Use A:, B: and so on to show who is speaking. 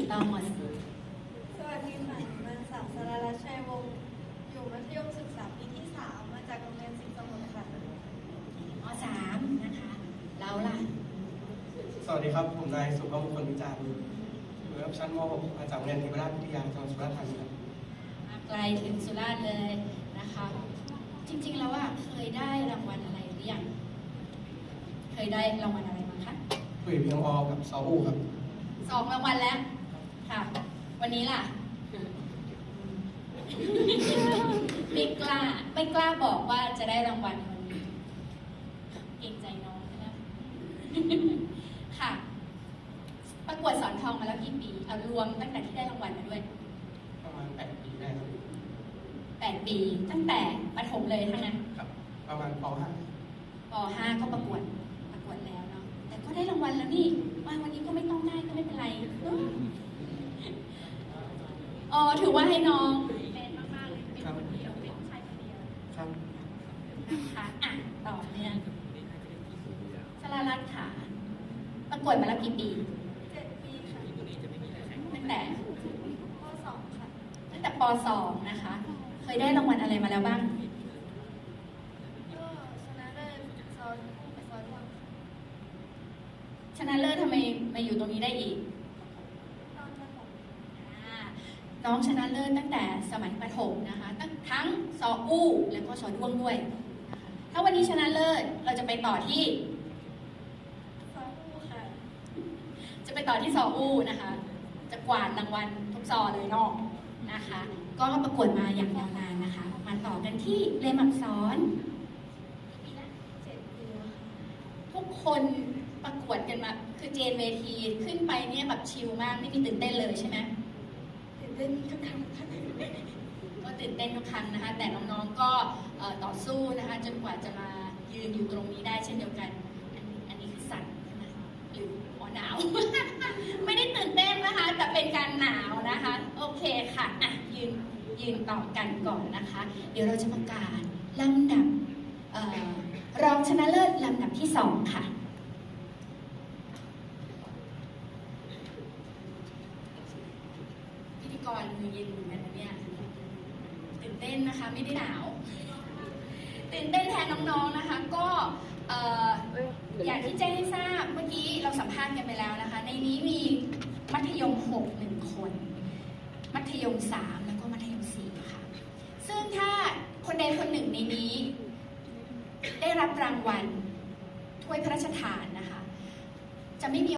A: ต้องหมด
B: สวัสดีค่ะนางสาวสรารัตน์ชัยวงศ์อยู่มัธยมศึกษาปีที่ 3มาจากโรงเรียนสิงห์สมุทรค่ะ
A: ม.3 นะคะเราล่ะ
C: สวัสดีครับ ผมนายสุภมงคลวิจารณ์อยู่ระดับชั้นม .6 มาจากโรงเรียนเทวราชวิทยาจังหวัดสุราษฎร์ธานีครับ
A: มาไกลถึงสุราษฎร์เลยนะคะ จริงๆแล้วเคยได้รางวัลอะไรหรือยังเคยได้รางวัลอะไรมาคะ
C: คุยเพียงอกับซออูครับ
A: 2 รางวัลแล้วค่ะ วันนี้ล่ะ ไม่กล้าบอกว่าจะได้รางวัลวันนี้เกรงใจน้องนะ ค่ะ ประกวดสอนทองมาแล้วกี่ปีเอารวมตั้งแต่ที่ได้รางวัลมาด้วย
C: ประมาณ8 ปีได้ครับ
A: 8 ปีตั้งแต่ประถมเลยทั้งนั้น
C: ครับ ประมาณป
A: ป .5 ก็ประกวดแล้วเนาะแต่ก็ได้รางวัลแล้วนี่ว่าวันนี้ก็ไม่ต้องได้ก็ไม่เป็นไรอ๋อถือว่าให้น้องเป็นมากๆเลยเป็นคนเดียวเป็นชายคนเดียว
C: .5 ครับ
A: นะคะอ่ะต่อเนื่องสรารัตน์ค่ะประกวดมาแล้วกี่ปี
B: 7 ปีค่ะ
A: ตั้งแต่
B: ข้อ 2 ค่ะ
A: ตั้งแต่ป .2 นะคะ เคยได้รางวัลอะไรมาแล้วบ้าง
B: ก็ชนะเลิศซอยคู่ไปซอยร่วมค่ะ
A: ชนะเลิศทำไมมาอยู่ตรงนี้ได้อีก
B: ตอนประถม
A: น้องชนะเลิศตั้งแต่สมัยประถมนะคะทั้งซออู้แล้วก็ซอด้วงด้วยนะคะถ้าวันนี้ชนะเลิศเราจะไปต่อที่
B: ซอยคู่ค่ะ
A: จะไปต่อที่ซออู้นะคะ จะกวาดรางวัลทุกซอเลยเนอกนะคะ ก็ประกวดมาอย่างยาวนานนะคะ มาต่อกันที่เรียนอักษร
B: 7 ปีค่ะ
A: ทุกคนประกวดกันมาคือเจนเวทีขึ้นไปเนี่ยแบบชิลมากไม่มีตื่นเต้นเลยใช่ไหม
B: ตื่นเต้นทุกครั้งค่ะ
A: ก็ตื่นเต้นทุกครั้งนะคะ แต่น้องๆก็ต่อสู้นะคะจนกว่าจะมายืนอยู่ตรงนี้ได้เช่นเดียวกัน อันนี้คือสั่นใช่ไหมหรือหนาว ไม่ได้ตื่นเต้นนะคะ แต่เป็นการหนาวนะคะ โอเคค่ะอ่ะยืนต่อกันก่อนนะคะ เดี๋ยวเราจะประกาศลำดับรองชนะเลิศลำดับที่ 2 ค่ะพิธีกรมือเย็นเหมือนกันนะเนี่ยตื่นเต้นนะคะไม่ได้หนาวตื่นเต้นแทนน้องๆนะคะก็อย่างที่แจ้งให้ทราบเมื่อกี้เราสัมภาษณ์กันไปแล้วนะคะในนี้มีมัธยม6 1 คนมัธยม3แล้วก็มัธยม4ค่ะซึ่งถ้าคนใดคนหนึ่งในนี้ได้รับรางวัลถ้วยพระราชทานนะคะจะไม่มี